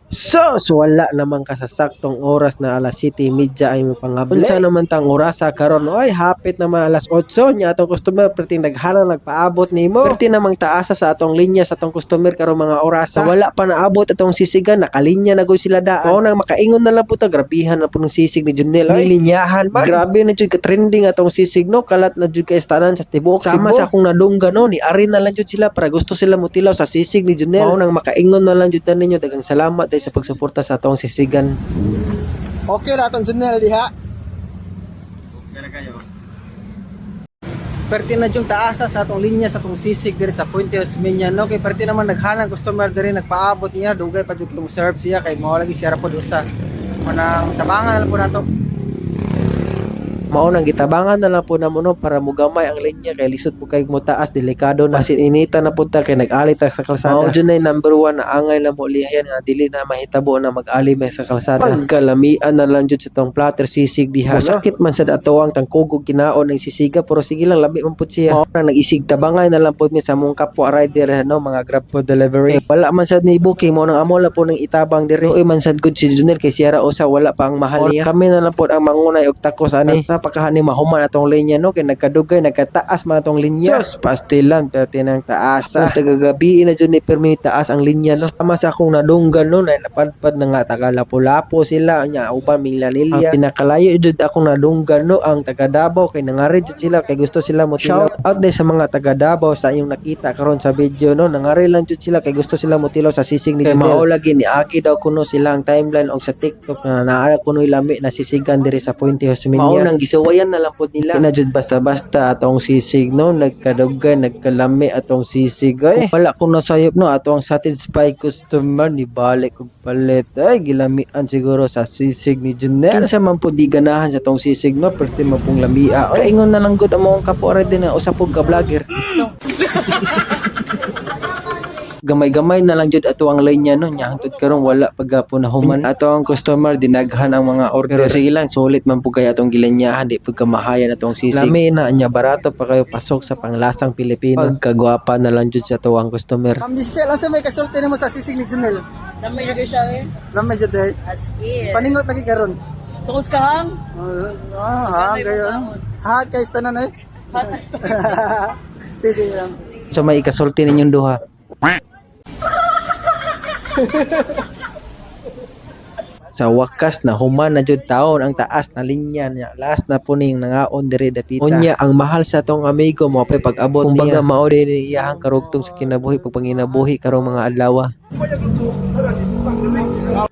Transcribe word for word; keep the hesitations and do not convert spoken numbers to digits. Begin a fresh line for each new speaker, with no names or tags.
Sus, wala naman kasasaktong oras na alas siyete media ay mo pangabli. Unsa naman tang orasa karon? Oy, hapit naman alas otso nya atong customer perti naghalang nagpaabot nimo. Perti namang taasa sa atong linya sa atong customer karon mga orasa. Wala pa naabot atong sisigan, nakalinya na gud sila daan. Mao nang makaingon na lang po ta, grabihan na po ng sisig ni Junel. Ay, linyahan man. Grabe na jud ka trending atong sisig no, kalat na jud kay tanan sa tibuok Cebu. Sama sa akong nadungga no, ni ari na lang jud sila para gusto sila mutilaw sa sisig ni Junel. Mao nang makaingon na lang jud ta ninyo, daghang salamat sa pagsuporta sa atong sisigan.
Okay ra atong Junel diha.
Kaya kayo.
Perti na yung taasa sa atong linya sa atong sisig diri sa Puente Osmeña no, kay perti naman naghalang customer diri nagpaabot niya, dugay pa jud mo serve siya kay mao lagi siya ra pod usa. Manang tabangan na lang po nato.
Mao nang gitabangan na lang po namo no para mugamay ang linya kay lisod po kay mutaas, delikado na masinita na punta kay nag-ali ta sa kalsada. Mao jud nay number one na angay na mo lihayan nga dili na mahitabo na mag-ali may sa kalsada. Pagkalamian na lang jud sa tong platter sisig diha. Sakit man sa atoang tangkugog kinaon ng sisiga pero sige lang labi man pud siya. Mao nang nag-isig tabangay na lang pud mi sa mong kapwa rider no, mga grab food delivery. Eh, wala man sad ni booking mo nang amo lang po ng itabang diri. Uy man sad gud si Junel kay siya ra usa wala pa ang mahal niya. Kami na lang pud ang mangunay og takos ani. Napakahani mahuman atong linya no, kay nagkadugay nagkataas man atong linya. Just pastilan perti nang taas. Sa tagagabi na jud ni permi taas ang linya no. Sama sa akong nadunggan no, na napadpad na nga taga-Lapu-Lapu sila nya uban Milanilya. Ang pinakalayo jud akong nadunggan no ang taga Davao kay nangari jud sila kay gusto sila mo shout out din sa mga taga Davao sa inyong nakita karon sa video no, nangari lang jud sila kay gusto sila mo tilaw sa sisig ni Junel. Mao lagi ni Aki daw kuno silang timeline og sa TikTok na naara kuno lami na sisigan diri sa Puente Osmeña. Mao nang gisuwayan na lang po nila. Kinajud basta-basta atong sisig no, nagkadugay, nagkalami atong sisig. Ay, wala ko nasayop no, atong satisfied customer ni balik og palit. Ay, gilamian siguro sa sisig ni Junel. Kinsa man po di ganahan sa atong sisig no, perti mo pong lamia. Ay, ingon na lang gud among kapore din na usa pog ka vlogger. Gamay-gamay na lang jud ato ang linya no, nya hangtod karon wala pagapon na human ato ang customer dinaghan ang mga order. Pero sige lang, sulit man po kay atong gilinyahan, di pagkamahayan atong sisig. Lami na nya, barato pa kayo pasok sa panglasang Pilipino. Pagkagwapa na lang jud sa ato ang customer.
Ma'am Giselle, ano sa may kasulti nimo sa sisig ni Junel?
Lamay na kayo siya eh.
Lamay jud eh.
As in.
Paningot lagi karon.
Tukos ka hang?
Ah, ha, kayo. Ha, kay tanan eh. Sige lang.
So may ikasulti ninyong duha. Sa wakas na human na jud taon ang taas na linya niya, last na puning nangaon diri dapita. Unya ang mahal sa tong amigo mo pay pag-abot niya. Kumbaga mao diri iyahang karugtong sa kinabuhi pag panginabuhi karong mga adlaw.